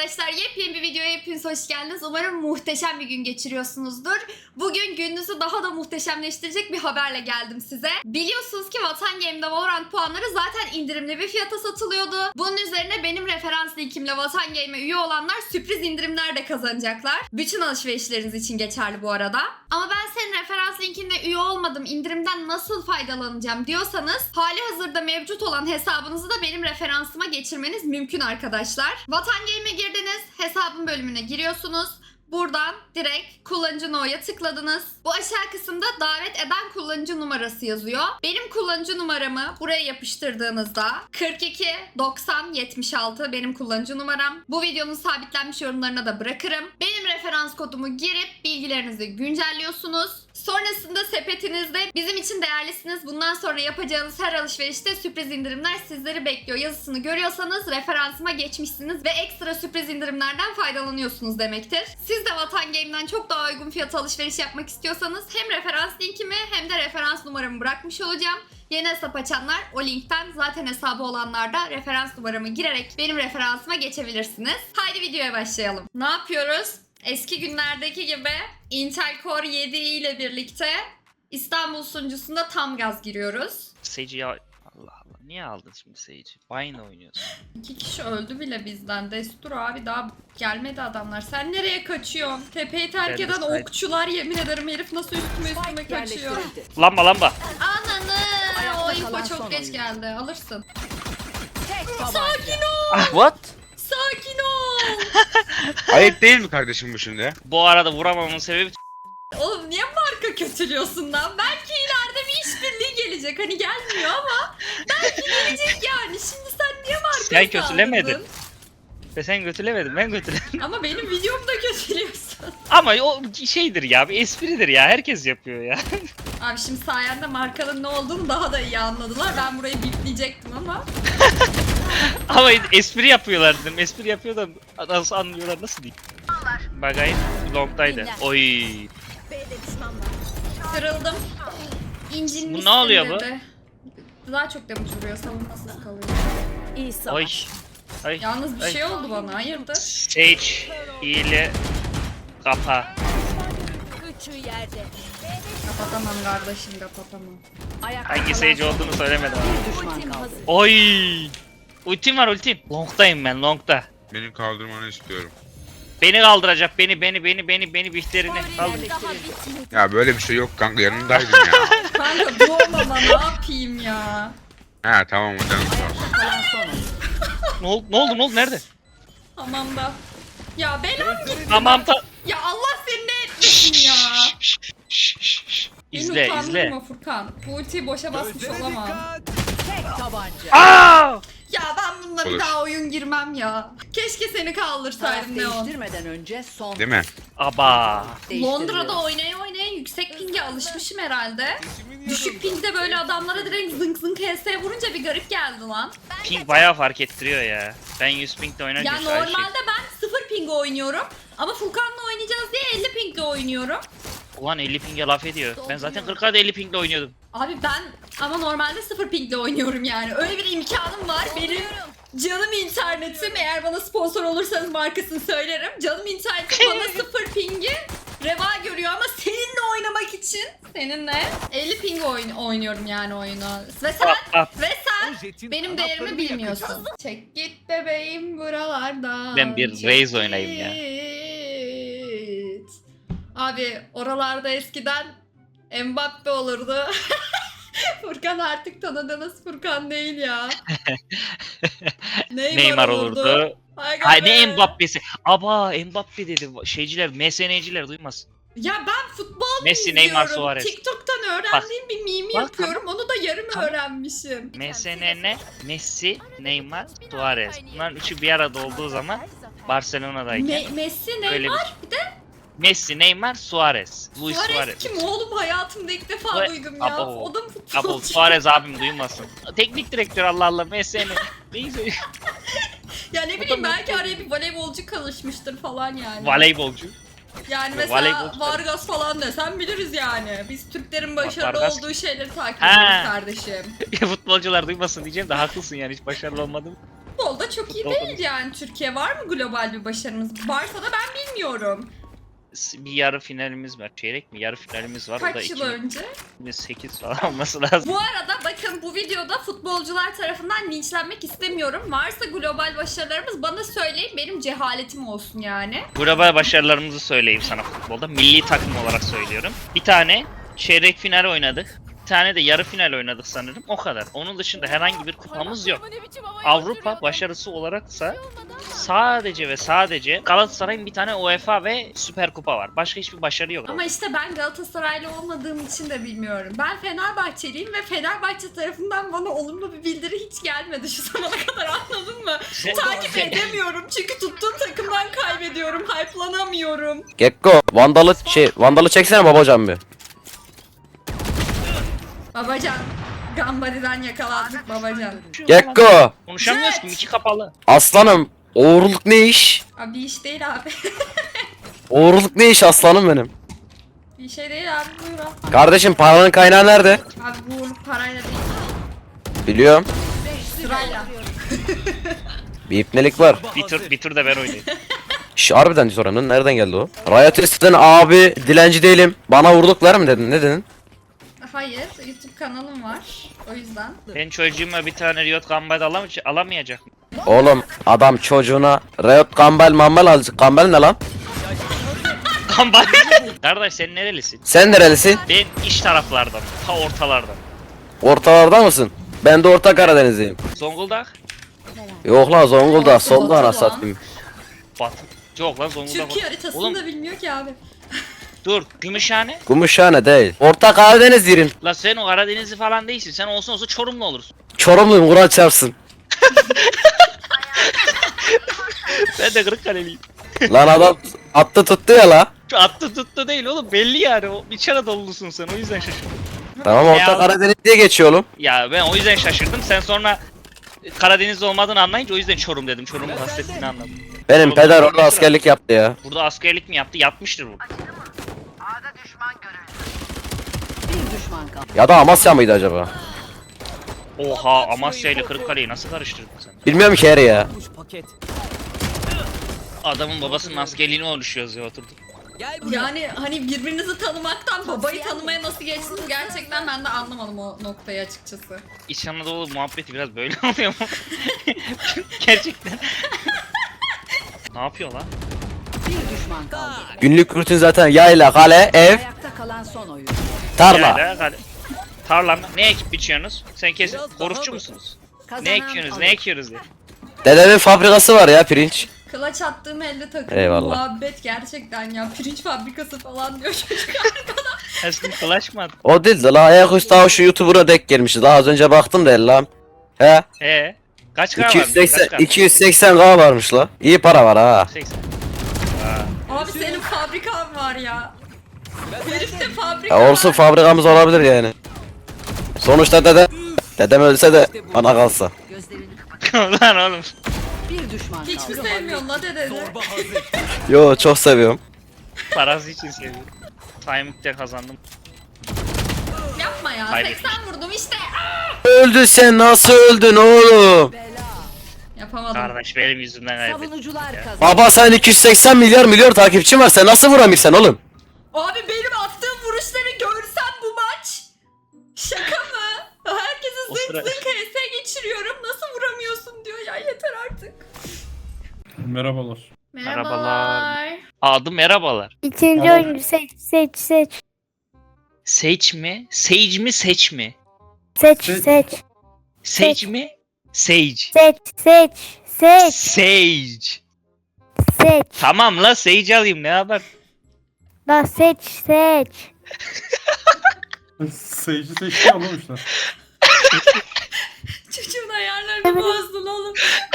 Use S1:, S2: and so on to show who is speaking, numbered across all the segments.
S1: arkadaşlar, yepyeni bir videoya hepiniz hoş geldiniz. Umarım muhteşem bir gün geçiriyorsunuzdur. Bugün gününüzü daha da muhteşemleştirecek bir haberle geldim size. Biliyorsunuz ki Vatan Game'de Valorant puanları zaten indirimli bir fiyata satılıyordu. Bunun üzerine benim referans linkimle Vatan Game'e üye olanlar sürpriz indirimler de kazanacaklar. Bütün alışverişleriniz için geçerli bu arada. Ama ben senin referans linkinle üye olmadım, indirimden nasıl faydalanacağım diyorsanız hali hazırda mevcut olan hesabınızı da benim referansıma geçirmeniz mümkün arkadaşlar. Vatan Game'e girdiniz, hesabın bölümüne giriyorsunuz. Buradan direkt kullanıcı no'ya tıkladınız. Bu aşağı kısımda davet eden kullanıcı numarası yazıyor. Benim kullanıcı numaramı buraya yapıştırdığınızda 42 90 76 benim kullanıcı numaram. Bu videonun sabitlenmiş yorumlarına da bırakırım. Benim referans kodumu girip bilgilerinizi güncelliyorsunuz. Sonrasında sepetinizde bizim için değerlisiniz. Bundan sonra yapacağınız her alışverişte sürpriz indirimler sizleri bekliyor yazısını görüyorsanız referansıma geçmişsiniz ve ekstra sürpriz indirimlerden faydalanıyorsunuz demektir. Siz de Vatan Game'den çok daha uygun fiyata alışveriş yapmak istiyorsanız hem referans linkimi hem de referans numaramı bırakmış olacağım. Yeni hesap açanlar o linkten, zaten hesabı olanlar da referans numaramı girerek benim referansıma geçebilirsiniz. Haydi videoya başlayalım. Ne yapıyoruz? Eski günlerdeki gibi Intel Core 7 ile birlikte İstanbul sunucusunda tam gaz giriyoruz.
S2: Sage'i ya... Allah Allah, niye aldın şimdi Sage'i? Vayne oynuyorsun.
S1: 2 kişi öldü bile bizden. Destur abi, daha gelmedi adamlar. Sen nereye kaçıyorsun? Tepeyi terk
S2: Ben
S1: eden
S2: de
S1: okçular, yemin ederim herif nasıl üstüme kaçıyor.
S2: Lamba lamba.
S1: Ananı! O info çok geç geldi. Alırsın. Sakin ol!
S2: Ah, what?
S1: Sakin ol!
S3: Ayıp değil mi kardeşim bu şimdi?
S2: Bu arada vuramamamın sebebi
S1: Oğlum niye marka kötülüyorsun lan? Belki ileride bir işbirliği gelecek. Hani gelmiyor ama belki gelecek yani. Şimdi sen niye marka
S2: Sen kötülemedin.
S1: saldırdın?
S2: ve sen götülemedin, ben götülemedim.
S1: Ama benim videomda kötülüyorsun.
S2: Ama o şeydir ya, bir espridir ya, herkes yapıyor ya.
S1: Abi şimdi sayende markanın ne olduğunu daha da iyi anladılar. Ben burayı bipleyecektim ama.
S2: Ama espri yapıyorlar dedim, espri yapıyor da nasıl anlıyorlar, nasıl diyeyim. Bagay long'daydı. Oy.
S1: Kırıldım. İncinmişsin
S2: Bu ne oluyor bu?
S1: dedi. Daha çok damage vuruyor, savunmasız kalıyor.
S4: İyi savaş.
S2: Oy. Ay.
S1: Yalnız bir
S2: Ay.
S1: şey oldu bana, hayırdır?
S2: Sage, hile, kapa.
S4: Üçü yerde.
S1: Kapatamam kardeşim, kapatamam.
S4: Ayakta
S2: Hangi
S4: kalan
S2: Sage
S4: son
S2: olduğunu söylemedim.
S4: bir düşman kaldı.
S2: Oy. Ultim var, ultim. Long'dayım ben, long'da.
S3: Beni kaldırmanı istiyorum.
S2: Beni kaldıracak, beni Bihter'ini kaldır.
S3: Ya böyle bir şey yok kanka, yanındaydım ya.
S1: Kanka doğmama ne yapayım ya?
S3: Ha tamam hocam.
S4: Kalan son oyun.
S2: Ne oldu, nerede?
S1: Tamam da. Ya belam gitti.
S2: Tamam
S1: Ya Allah seni ne etmesin ya. Beni
S2: İzle,
S1: utandırma Furkan. Bu ultiyi boşa basmış olamam.
S4: Tek tabanca.
S2: Aa!
S1: Ya ben bununla bir
S3: Olur.
S1: daha oyun girmem ya. Keşke seni
S4: Taraf
S1: kaldırsaydım Neon.
S4: değiştirmeden önce son.
S3: Değil mi?
S2: Aba.
S1: Londra'da oynaya yüksek pinge alışmışım herhalde. Düşük pingde böyle adamlara direkt zınk zınk HS vurunca bir garip geldi lan.
S2: Ping bayağı fark ettiriyor ya. Ben 100 ping'de oynarken
S1: Ya
S2: şu an
S1: normalde ben 0 pingle oynuyorum. Ama Furkan'la oynayacağız diye 50 pingle oynuyorum.
S2: Ulan 50 ping'e laf ediyor. Ben zaten 40'a da 50 ping'de oynuyordum.
S1: Abi ben ama normalde 0 pingle oynuyorum yani. Öyle bir imkanım var. Benim canım internetim, eğer bana sponsor olursanız markasını söylerim. Canım internetim bana 0 pingi reva görüyor ama seninle oynamak için seninle 50 ping oynuyorum yani oyunu. Ve sen benim değerimi bilmiyorsun. Çek git bebeğim buralardan.
S2: Ben bir
S1: çek
S2: Raze oynayayım ya.
S1: git. Abi oralarda eskiden Mbappe olurdu. Furkan artık tanıdığınız Furkan değil ya.
S2: Neymar olurdu.
S1: Aga
S2: Ay
S1: be.
S2: ne Mbappe'si. Aba Mbappe dedi. Şeyciler, MSN'ciler duymaz.
S1: Ya ben futbol
S2: Messi,
S1: izliyorum.
S2: Neymar, Suarez.
S1: TikTok'tan öğrendiğim bir mimi
S2: Bak,
S1: yapıyorum. Onu da yarım
S2: Tamam.
S1: öğrenmişim.
S2: MSN ne? Messi, Neymar, Suarez. Bunların üçü bir arada olduğu zaman Barcelona'dayken
S1: Messi,
S2: öyle
S1: Neymar, bir de
S2: Messi, Neymar, Suarez. Luis
S1: Suarez
S2: Suarez.
S1: kim oğlum, hayatımda ilk defa
S2: Suarez-
S1: duydum ya.
S2: Abo.
S1: O da mı
S2: Abo
S1: futbolcu?
S2: Suarez abim duymasın. Teknik direktör, Allah Allah, MSN. Neyse.
S1: Ya ne
S2: O
S1: bileyim,
S2: da
S1: belki araya bir voleybolcu karışmıştır falan yani.
S2: Voleybolcu.
S1: Yani mesela
S2: Voleybolcu.
S1: Vargas falan desem biliriz yani. Biz Türklerin başarılı
S2: Vargas.
S1: olduğu şeyleri takip
S2: Ha.
S1: ediyoruz kardeşim.
S2: Futbolcular duymasın diyeceğim de haklısın yani, hiç başarılı olmadım.
S1: futbolda çok iyi değil yani. Türkiye var mı global bir başarımız? Varsa da ben bilmiyorum.
S2: Bir yarı finalimiz var. Çeyrek mi? Yarı finalimiz var. O da
S1: Kaç yıl önce?
S2: 2008 falan olması lazım.
S1: Bu arada bakın bu videoda futbolcular tarafından linçlenmek istemiyorum. Varsa global başarılarımız bana söyleyin, benim cehaletim olsun yani.
S2: Global başarılarımızı söyleyeyim sana futbolda. Milli takım olarak söylüyorum. Bir tane çeyrek final oynadık. Bir tane de yarı final oynadık sanırım. O kadar. Onun dışında herhangi bir kupamız yok. Avrupa başarısı olaraksa sadece ve sadece Galatasaray'ın bir tane UEFA ve Süper Kupa var. Başka hiçbir başarı yok.
S1: Ama işte ben Galatasaraylı olmadığım için de bilmiyorum. Ben Fenerbahçeliyim ve Fenerbahçe tarafından bana olumlu bir bildiri hiç gelmedi şu zamana kadar, anladın mı? Takip edemiyorum çünkü tuttuğum takımdan kaybediyorum, hype'lanamıyorum.
S5: Gekko vandalı çeksene babacan bir.
S1: Babacan, Gambari'den yakalandık babacan.
S5: Gekko
S2: Konuşamıyoruz ki, iki kapalı.
S5: aslanım uğurluk ne iş?
S1: Abi bir iş değil abi.
S5: Uğurluk ne iş aslanım benim?
S1: Bir şey değil abi, buyur al.
S5: Kardeşim paranın kaynağı nerede?
S1: Abi bu uğurluk parayla değil,
S5: Biliyorum.
S1: sırayla.
S5: Bir ipnelik var.
S2: Bir tur da ben oynayayım.
S5: Şş harbiden soranın nereden geldi o? Riot Test'ten abi dilenci değilim. Bana vurduklar mı dedin? Ne dedin?
S1: Hayır, YouTube kanalım var. O yüzden.
S2: Ben çocuğuma bir tane Riot Gambit alamayacak mı?
S5: Oğlum adam çocuğuna Riot Gambel mambel alacak. Gambel ne lan?
S2: Gambit. Kardeş sen nerelisin?
S5: Sen nerelisin?
S2: Ben iç taraflardan, ta ortalardan.
S5: Ortalarda mısın? Ben de Orta Karadenizliyim.
S2: Zonguldak,
S5: Yok lan Zonguldak
S1: Batı
S5: solda
S1: lan.
S5: ana satayım.
S2: Batı. Yok lan Zonguldak.
S1: Türkiye haritasını
S2: Oğlum
S1: da bilmiyor ki abi.
S2: dur, Gümüşhane.
S5: Gümüşhane değil. Orta Karadeniz yerin.
S2: La sen o Karadenizli falan değilsin. Sen olsun olsa Çorumlu olursun.
S5: Çorumluyum Kur'an çarpsın.
S2: Ben de Kırıkkaleliyim.
S5: Lan adam attı tuttu ya la.
S2: Şu attı tuttu değil oğlum, belli yani. O İç Anadolu'lusun sen, o yüzden şaşırdım.
S5: Tamam Orta
S2: Ya.
S5: Karadeniz diye geçiyor oğlum.
S2: Ya ben o yüzden şaşırdım. Sen sonra Karadenizli olmadığını anlayınca o yüzden Çorum dedim. Çorum'u kastettiğini anladım.
S5: Benim
S2: Oğlum,
S5: peder
S2: oğlum,
S5: orada askerlik yaptı ya.
S2: Burada askerlik mi yaptı? Yapmıştır bu.
S4: Bir düşman kaldı.
S5: Ya da Amasya mıydı acaba?
S2: Oha, Amasya ile Kırıkkale'yi nasıl karıştırdın sen?
S5: Bilmiyorum ki her ya.
S2: Adamın babasının askerliğini oluşuyoruz ya, oturduk.
S1: Yani hani birbirinizi tanımaktan babayı tanımaya nasıl geçtiniz gerçekten ben de anlamadım o noktayı açıkçası.
S2: İç Anadolu muhabbeti biraz böyle oluyor mu? Gerçekten. Ne yapıyor lan?
S4: Bir düşman kaldı.
S5: Günlük rutin zaten yayla, kale, ev,
S4: Ayakta kalan son oyun.
S5: tarla.
S2: Yayla, tarla mı? Ne ekip biçiyorsunuz? Sen kesin korufçu musunuz? Ne ekiyorsunuz? Ne ekiyoruz diye.
S5: Dedemin fabrikası var ya pirinç.
S1: Kılaç attığım elde takım
S5: Eyvallah.
S1: muhabbet gerçekten ya, pirinç fabrikası falan diyor çocuk.
S2: Aslında flash mı attın?
S5: O değil de la ayaküstü daha şu YouTuber'a denk gelmişti. Daha az önce baktım da lan. He?
S2: Kaç kadar varmış?
S5: 280k varmış la. İyi para var ha.
S2: 80.
S1: Abi senin fabrikan var ya. Herifte fabrika
S5: Ya olsun
S1: var.
S5: fabrikamız olabilir yani. Sonuçta dedem ölse de bana kalsa.
S4: Gözlerini
S2: Lan oğlum.
S4: bir düşman
S1: Hiç mi
S4: kaldı.
S1: sevmiyorsun la dedeni?
S5: Yo çok seviyorum.
S2: Parası için seviyorum. Timing'de kazandım.
S1: Yapma ya,
S2: Kaybetmiş.
S1: 80 vurdum işte.
S5: Öldün sen nasıl öldün oğlum?
S1: Yapamadım.
S2: Kardeş benim yüzümden kaybettim.
S4: Savunucular kazandı.
S5: Baba sen 280 milyar takipçin var sen nasıl vuramıyorsun oğlum?
S1: Abi benim attığım vuruşları görsen bu maç. Şaka mı? Herkesi
S2: O
S1: zınk
S2: sıra-
S1: zınk HS geçiriyorum. Nasıl vuramıyorsun diyor ya, yeter artık.
S6: Merhabalar.
S2: Merhabalar. Adı merhabalar.
S7: İkinci
S5: Tamam.
S7: oyuncu seç.
S2: Seç mi? Sage mi? Seç mi?
S7: Seç.
S2: Sage mi? Sage. Sage. Tamam la, Sage alayım, ne haber?
S7: La seç.
S6: Sage'i seçti anlamışlar.
S1: Çocuğun ayarlarını bozdun oğlum.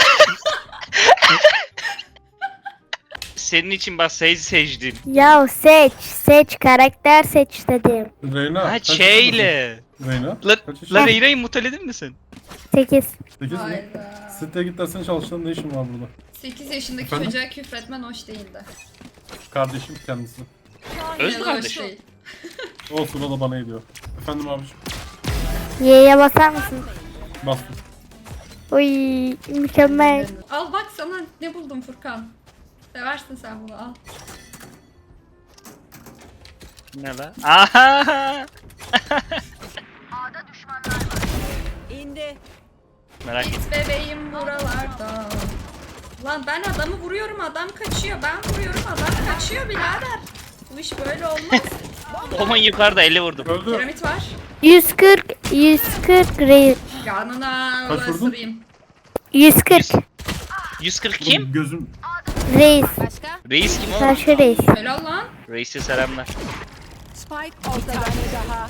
S2: Senin için bak Sage seçtim.
S7: Ya seç karakter seç dedim.
S6: Reyna.
S2: Ha
S6: kaç
S2: şeyle.
S6: yaşındasın? Reyna.
S2: La,
S6: Kaç yaşındasın?
S2: la Reyna'yı muteledin mi sen?
S7: 8.
S6: 8 mi?
S1: Hayda.
S6: Siteye git dersen çalıştığın ne işin var burada?
S1: 8 yaşındaki
S6: Efendim?
S1: çocuğa küfretmen hoş değildi.
S6: Kardeşim kendisi.
S2: Öz
S1: Yine de
S2: kardeşim.
S1: hoş değil.
S6: Olsun o da bana ediyor. Efendim abiciğim.
S7: Y'ye basar mısın?
S6: Bastım.
S7: Oy mükemmel.
S1: Al bak sana ne buldum Furkan. Seversin sen bunu al.
S2: Ne lan? Aha!
S4: İndi.
S2: Merak etme.
S1: Git bebeğim buralarda. Lan ben adamı vuruyorum adam kaçıyor. Ben vuruyorum adam kaçıyor birader. Bu iş böyle olmaz.
S2: Oman yukarıda 50 vurdum.
S6: Öldü.
S1: Piramit var.
S7: 140 reis.
S1: Yanına
S6: Kaç vurdun?
S1: ısırayım.
S7: 140
S2: 140 kim?
S6: Gözüm.
S7: reis.
S2: Reis kim oğlum?
S7: Karşı reis.
S1: Helal lan.
S2: Reis'e selamlar.
S4: Spike ortada. Daha.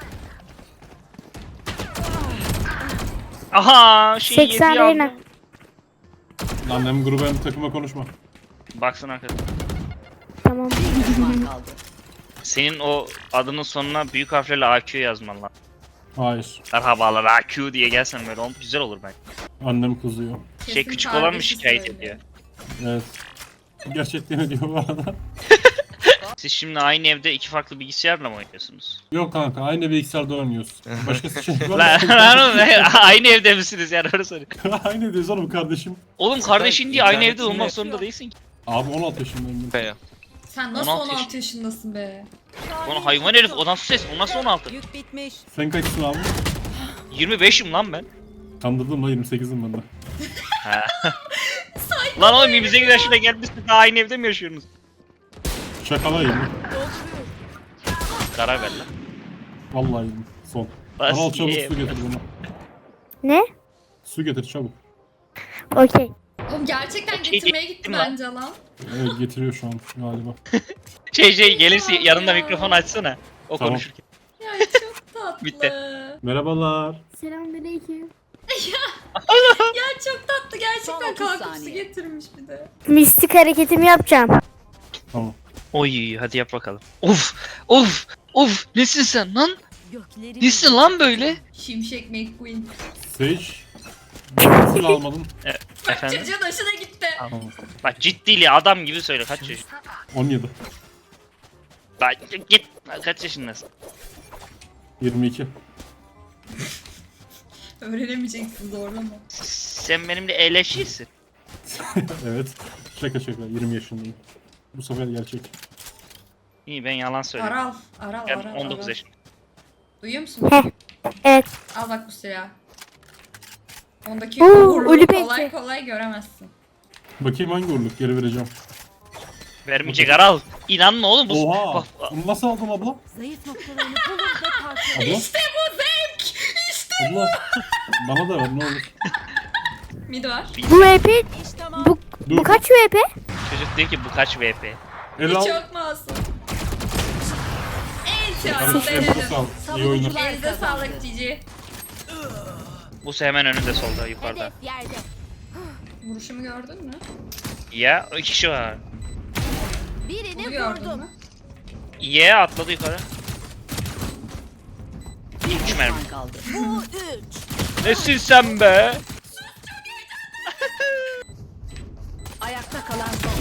S2: Aha! Şey
S7: 80
S2: yedi ya.
S7: Reyna.
S6: Lan hem gruba hem takıma konuşma.
S2: Baksana arkadaşlar.
S7: Tamam.
S4: Bir düşman kaldı.
S2: Senin o adının sonuna büyük harflerle AQ yazman lan.
S6: Hayır.
S2: Merhabalar AQ diye gelsen böyle güzel olur bence.
S6: Annem kızıyor.
S2: Şey
S1: Kesin
S2: küçük olan mı
S1: kardeşi
S2: şikayet
S1: söylüyor.
S2: ediyor?
S6: Evet. Gerçekten ediyor bu arada.
S2: Siz şimdi aynı evde iki farklı bilgisayarla mı oynuyorsunuz?
S6: Yok kanka aynı bilgisayarda oynuyoruz. Başkası şey var
S2: Lan
S6: mı?
S2: lan oğlum, aynı evde misiniz yani öyle soruyorum.
S6: Aynı evdeyiz oğlum kardeşim.
S2: Oğlum kardeşin diye aynı evde
S8: internetinde-
S2: olmak zorunda değilsin ki.
S6: Abi 16 yaşındayım ben.
S1: Sen nasıl
S2: 16
S1: 16 yaşındasın be?
S2: Lan hayvan herif o nasıl ses o nasıl 16?
S4: Yük bitmiş.
S6: Sen kaçsın abi?
S2: 25'im lan ben.
S6: Kandırdım la 28'im ben de.
S2: Ha. Lan oğlum 28 yaşına gelmişsin daha aynı evde mi yaşıyorsunuz?
S6: Şakalayayım.
S2: Karar ver lan.
S6: Vallahi yedim. Son.
S2: Bas
S6: Al çabuk
S2: ye.
S6: su getir bana.
S7: Ne?
S6: Su getir çabuk.
S7: Okey.
S1: Oğlum gerçekten
S2: Okey,
S1: getirmeye
S2: gittim
S1: gitti
S2: lan.
S1: bence lan.
S6: Evet getiriyor şu an galiba.
S2: Şey gelirse yanında mikrofon açsana. O
S6: Tamam.
S2: konuşurken.
S1: Ya çok tatlı.
S2: Bitti.
S6: Merhabalar.
S7: Selamünaleyküm.
S1: Ya çok tatlı gerçekten
S4: Son 30
S1: kalkıp su
S4: saniye.
S1: getirmiş bir de.
S7: Mistik hareketimi yapacağım.
S6: Tamam.
S2: Oy hadi yap bakalım. Of of of nesin sen lan?
S4: Gökleri
S2: Nesin lan böyle?
S1: Şimşek McQueen.
S6: Sage. Nasıl almadın?
S1: Bak
S2: Efendim?
S1: çocuğun hoşuna gitti.
S6: Tamam.
S2: Bak ciddili adam gibi söyle kaç yaşın?
S6: 17.
S2: Bak git kaç yaşındasın?
S6: 22.
S1: Öğrenemeyeceksin zorlama.
S2: Sen benimle eleşirsin.
S6: Evet. Şaka şaka 20 yaşındayım. Bu sefer gerçek.
S2: İyi ben yalan söylüyorum.
S1: Aral
S2: Ben
S1: aral.
S2: 19
S1: aral.
S2: yaşındayım.
S1: Duyuyor musun?
S7: Heh. Evet.
S1: Al bak bu silahı. Ondaki
S7: Oo,
S1: uğurluğu
S7: ölü
S1: kolay
S7: bekçi.
S1: kolay göremezsin.
S6: Bakayım hangi uğurluk geri vereceğim.
S2: Vermeyecek Aral. İnanma oğlum bu.
S6: Oha!
S2: Bak,
S6: Bunu nasıl aldın abla?
S4: zayıf noktalarını bulur ve parçalar.
S6: Abla?
S1: İşte bu zevk! İşte
S6: Abla. Bana da ver ne olur.
S1: mid var.
S7: Bu VP
S4: İş tamam.
S7: bu kaç VP?
S2: çocuk diyor ki bu kaç VP?
S6: El al.
S1: Çok masum. En
S6: Kardeşim
S1: çok
S6: elinize
S1: denedim.
S6: sağlık. İyi oyunlar.
S1: Elinize sağlık Cici.
S2: Bu hemen önünde solda yukarıda.
S1: Vuruşumu gördün mü?
S2: Ya o iki kişi var.
S1: Bunu gördün mü?
S2: Ye atladı yukarı.
S4: Bir
S2: Üç mermi.
S4: düşman kaldı.
S2: Nesin sen be?
S4: Ayakta kalan son.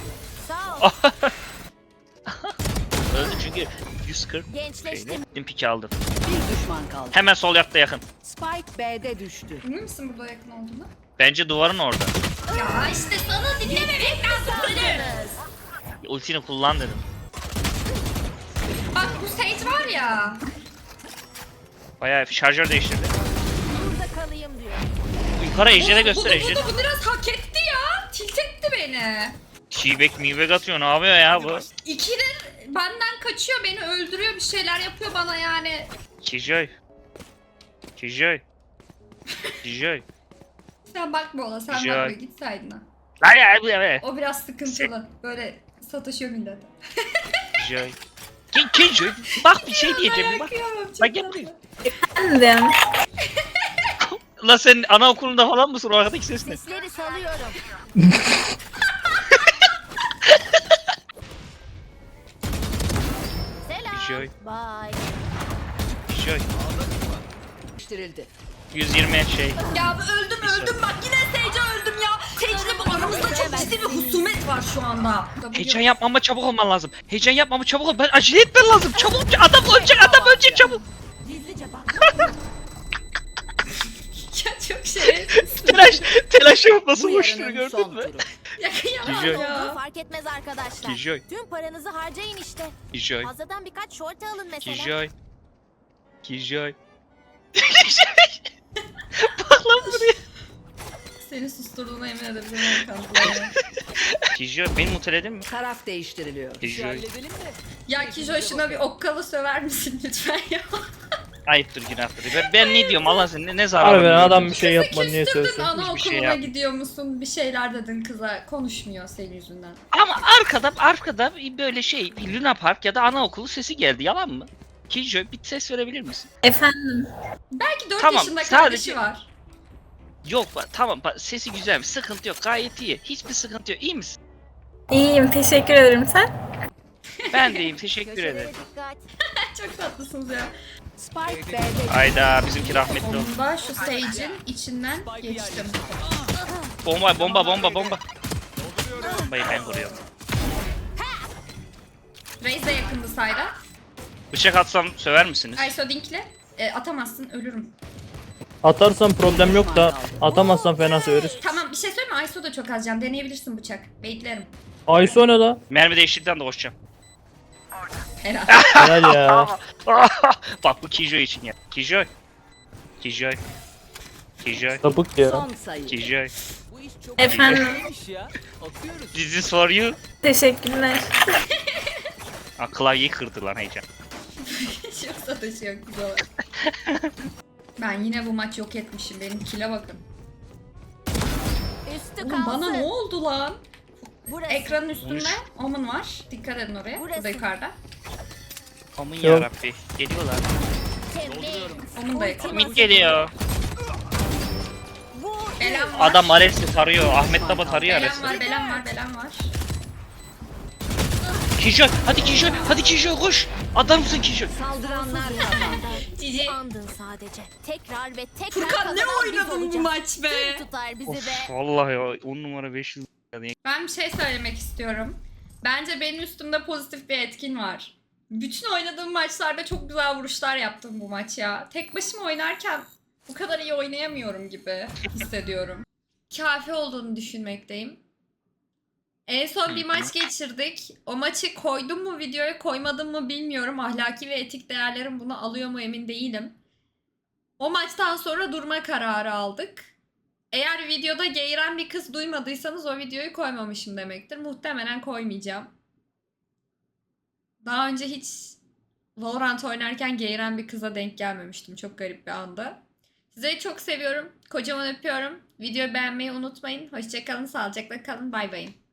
S2: Öldü çünkü 140 şeyle. Piki aldım.
S4: Bir düşman kaldı.
S2: Hemen sol yatta yakın.
S4: Spike B'de düştü.
S1: Emin misin burada yakın olduğunu?
S2: Bence duvarın orada.
S1: Ya işte sana dinlememek lazım seni.
S2: Ultini kullan dedim.
S1: Bak bu Sage var ya.
S2: Bayağı şarjör değiştirdi.
S4: Burada kalayım diyor.
S2: Yukarı Ejder'e göster
S1: Bu
S2: Ejder.
S1: biraz hak etti ya. Tilt etti beni.
S2: T-Bag mi atıyor ne yapıyor ya bu?
S1: İkidir benden kaçıyor beni öldürüyor bir şeyler yapıyor bana yani.
S2: Kijoy. Kijoy. Kijoy.
S1: Sen bakma ona sen
S2: Güzel.
S1: bakma git saydına.
S2: Lan ya bu ya.
S1: O biraz sıkıntılı. Böyle sataşıyor millete.
S2: Kijoy. Kijoy. Bak bir şey diyeceğim bak.
S1: Kıyamam, çok
S2: Bak gel
S1: tatlı.
S2: buraya. Lan sen anaokulunda falan mısın o arkadaki ses ne?
S4: Sesleri salıyorum.
S2: Kijoy.
S4: Bye.
S2: Kijoy.
S4: Değiştirildi.
S2: 120 şey.
S1: Ya öldüm bak yine Sage'e öldüm ya. Sage'le bu aramızda çok ciddi bir husumet var şu anda.
S2: Heyecan yapma ama çabuk olman lazım. Heyecan yapma ama çabuk ol. Ben acele etmen lazım. Çabuk adam ölecek çabuk.
S4: Gizlice bak.
S1: Ya çok şerefsiz.
S2: Telaş yapıp nasıl
S4: Bu
S2: koştuğunu
S4: yarının
S2: gördün
S4: son
S2: mü?
S4: turu.
S1: Ya kıyamam
S2: Kijoy.
S1: ya.
S8: Fark etmez arkadaşlar.
S2: Kijoy.
S8: Tüm paranızı harcayın işte.
S2: Kijoy.
S8: Fazladan birkaç şorta alın mesela.
S2: Kijoy. Kijoy. Bak lan buraya.
S1: Seni susturduğuna emin edebilirim kanka.
S2: Kijoy beni muteledin mi?
S4: Taraf değiştiriliyor.
S2: Kijoy.
S1: Ya Kijo şuna bir okkalı söver misin lütfen ya?
S2: Ayıptır günahtır. Ben ne diyorum Allah seni ne zararı
S9: Harbiden
S2: var?
S9: adam bir şey yapma
S1: Kızı
S9: niye
S1: küstürdün,
S9: söylüyorsun?
S2: Hiçbir şey
S1: anaokuluna
S2: yap.
S1: gidiyor musun? Bir şeyler dedin kıza. Konuşmuyor senin yüzünden.
S2: Ama arkada böyle şey Luna Park ya da anaokulu sesi geldi yalan mı? Kijoy bir ses verebilir misin?
S10: Efendim.
S1: Belki 4
S2: Tamam,
S1: yaşında
S2: sadece-
S1: kardeşi var.
S2: Yok tamam sesi güzelmiş sıkıntı yok gayet iyi. Hiçbir sıkıntı yok iyi misin?
S10: İyiyim. Teşekkür ederim. Sen?
S2: Ben de iyiyim teşekkür
S8: Köşelere
S2: ederim.
S8: dikkat.
S1: Çok tatlısınız ya.
S4: Spike B'de
S2: Hayda bizimki rahmetli oldu.
S1: Onu da şu Sage'in içinden geçtim.
S2: Bomba. Bombayı ben vuruyorum.
S1: Raze de yakındı sayda.
S2: Bıçak atsam söver misiniz?
S1: Iso Dink'le atamazsın ölürüm.
S9: Atarsan problem yok da atamazsan fena söyleriz.
S1: Tamam bir şey söyleme Iso da çok az can. Deneyebilirsin bıçak. Baitlerim.
S9: Ayso ne la?
S2: Mermi değiştikten de koşacağım.
S1: Helal.
S9: Helal ya.
S2: Bak bu Kijoy için ya. Kijoy.
S9: Sapık ya.
S4: son sayı.
S2: Kijoy.
S10: Efendim.
S2: This is for you.
S10: Teşekkürler.
S2: Aa, klavyeyi kırdı lan heyecan.
S1: Çok satışı yok güzel. Ben yine bu maç yok etmişim. Benim kile bakın.
S8: Üstü
S1: Oğlum
S8: kalsın.
S1: bana ne oldu lan?
S8: Burası.
S1: Ekranın üstünde
S2: Konuş.
S1: Omen var. Dikkat edin oraya.
S8: Burası.
S1: Burada yukarıda.
S2: Aman
S9: Yok.
S2: yarabbi. Geliyorlar.
S8: Temiz.
S1: Omen da yakın.
S2: Mid geliyor.
S8: Vur.
S1: Belen var.
S2: Adam Ares'i tarıyor. Ahmet Baba tarıyor
S1: Belen
S2: Ares'i.
S1: var, belen var, belen var.
S2: Kijoy. Hadi Kijoy koş. Adamsın Kijoy.
S4: Saldıranlar kazandı.
S1: Cici.
S8: Andın sadece. Tekrar ve tekrar
S1: Furkan ne
S8: kazanan biz
S1: oynadın bu
S8: olacağız.
S1: maç be?
S8: Kim tutar bizi
S2: Of
S8: be?
S2: vallahi ya 10 numara 500.
S1: Ben bir şey söylemek istiyorum. Bence benim üstümde pozitif bir etkin var. Bütün oynadığım maçlarda çok güzel vuruşlar yaptım bu maç ya. Tek başıma oynarken bu kadar iyi oynayamıyorum gibi hissediyorum. Kafi olduğunu düşünmekteyim. En son bir maç geçirdik. O maçı koydum mu videoya koymadım mı bilmiyorum. Ahlaki ve etik değerlerim bunu alıyor mu emin değilim. O maçtan sonra durma kararı aldık. Eğer videoda geğiren bir kız duymadıysanız o videoyu koymamışım demektir. Muhtemelen koymayacağım. Daha önce hiç Valorant oynarken geğiren bir kıza denk gelmemiştim. Çok garip bir anda. Sizleri çok seviyorum. Kocaman öpüyorum. Videoyu beğenmeyi unutmayın. Hoşçakalın, sağlıcakla kalın. Bay bayın.